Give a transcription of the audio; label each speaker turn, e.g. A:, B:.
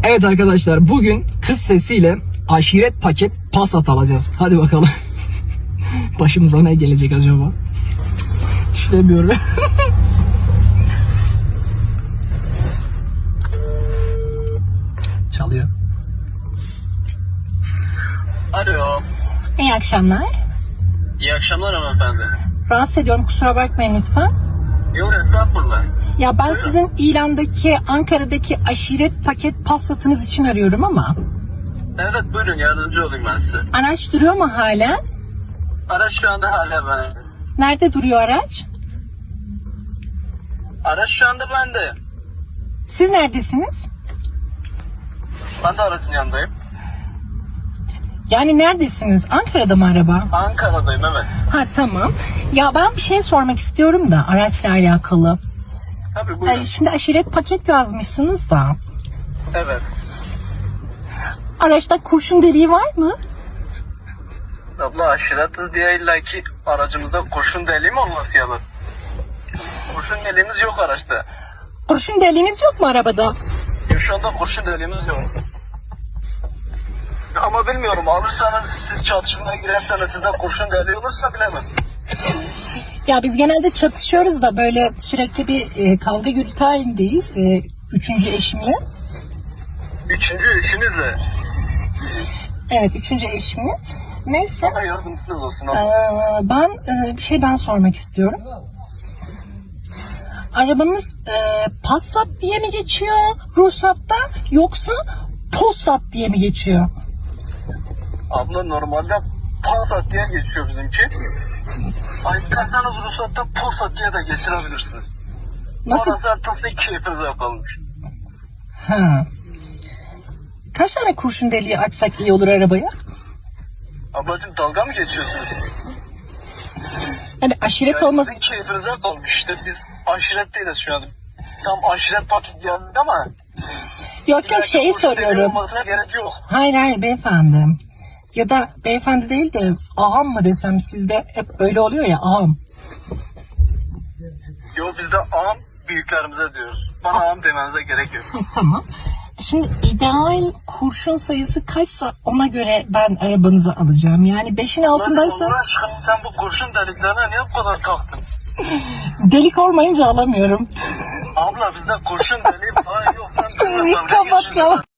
A: Evet arkadaşlar, bugün kız sesiyle aşiret paket Passat alacağız. Hadi bakalım. Başımıza ne gelecek acaba? Düşünemiyorum. Çalıyor.
B: Alo.
C: İyi akşamlar.
B: İyi akşamlar hanımefendi.
C: Rahatsız ediyorum, kusura bakmayın lütfen.
B: Yok estağfurullah.
C: Ya ben sizin ilandaki Ankara'daki aşiret paket Passat'ınız için arıyorum ama
B: Evet buyurun yardımcı olayım ben size.
C: araç duruyor mu hala?
B: Araç şu anda hala bende.
C: Nerede duruyor araç?
B: Araç şu anda bende.
C: Siz neredesiniz?
B: Ben de aracın yanındayım.
C: Yani neredesiniz? Ankara'da mı araba?
B: Ankara'dayım evet.
C: Ha tamam. Ya ben bir şey sormak istiyorum da araçla alakalı.
B: Tabii buyurun.
C: Şimdi aşiret paket yazmışsınız da.
B: Evet.
C: Araçta kurşun deliği var mı?
B: Abla aşiretliz diye illaki aracımızda kurşun deliği mi olması yalan? Kurşun deliğimiz yok araçta.
C: Kurşun deliğiniz yok mu arabada?
B: Şu anda kurşun deliğimiz yok. Ama bilmiyorum alırsanız siz çatışmaya girerseniz sizde kurşun deliği olursa bilemem.
C: Ya biz genelde çatışıyoruz da böyle sürekli bir kavga gürültü halindeyiz. Üçüncü eşimle.
B: Üçüncü eşinizle.
C: Evet, üçüncü eşimle. Neyse.
B: Bana yardımcınız olsun.
C: Ben bir şeyden sormak istiyorum. Arabanız Passat diye mi geçiyor ruhsatta yoksa Passat diye mi geçiyor?
B: Abla normalde Passat diye geçiyor bizimki. Ay isterseniz ruhsatta Passat diye de geçirebilirsiniz.
C: Nasıl?
B: Orası haritası keyfinize kalmış.
C: Ha. Kaç tane kurşun deliği açsak iyi olur arabaya?
B: Ablacığım dalga mı geçiyorsunuz?
C: Yani aşiret
B: Yani
C: olması...
B: sizin keyfinize kalmış işte biz aşiret değiliz şu an. Tam aşiret paket geldik ama...
C: Yok yok şeyi
B: kurşun deliği
C: soruyorum.
B: olmasına gerek yok.
C: Hayır beyefendi. Ya da beyefendi değil de ağam mı desem, sizde hep öyle oluyor ya, ağam.
B: Yok biz de ağam büyüklerimize diyoruz. Bana ağam demenize gerek yok.
C: Tamam. Şimdi ideal kurşun sayısı kaçsa ona göre ben arabanızı alacağım. Yani 5'in altındaysa
B: Allah aşkına sen bu kurşun deliklerine niye bu kadar taktın?
C: delik olmayınca alamıyorum.
B: Abla bizde kurşun deliği falan yok. Lan,
C: Kapat kapat.